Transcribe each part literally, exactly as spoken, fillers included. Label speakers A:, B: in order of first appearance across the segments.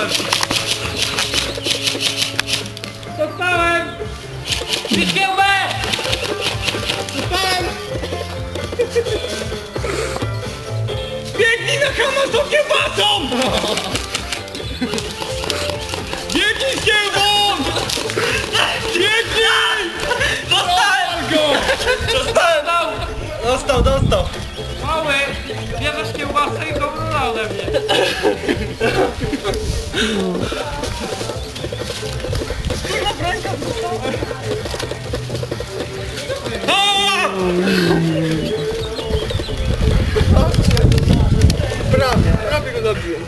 A: Dostałem! Dostałem! Bić kiełbę! Dostałem! Biegnij na kama z tą kiełbasą! Biegnij z kiełbą! Biegnij! Dostałem go! Dostałem!
B: Dostał, dostał!
A: Mały! Bierzesz kiełbasę i dobrą ode mnie!
B: Prawie, prawie go zabiłem.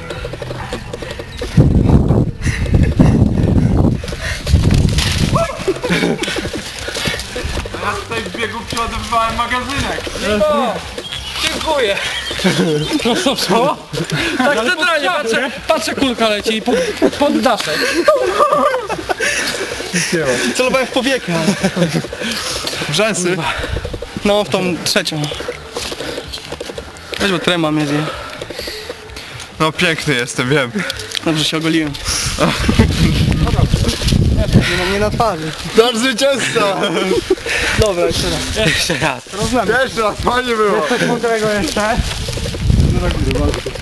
A: Ja tutaj w biegu przeładowywałem magazynek. No, dziękuję.
C: No co?
A: Tak centralnie patrzę, patrzę, kulka leci i pod, pod daszek.
B: Celowałem w powiekę. W rzęsy? No, w tą trzecią. Weź, bo trema mnie zje.
D: No piękny jestem, wiem.
B: Dobrze się ogoliłem. Nie mam mnie na twarzy.
D: Nasz zwycięzca!
B: Dobra, jeszcze raz.
C: Jeszcze raz.
D: Jeszcze raz, fajnie było!
C: Coś mądrego jeszcze?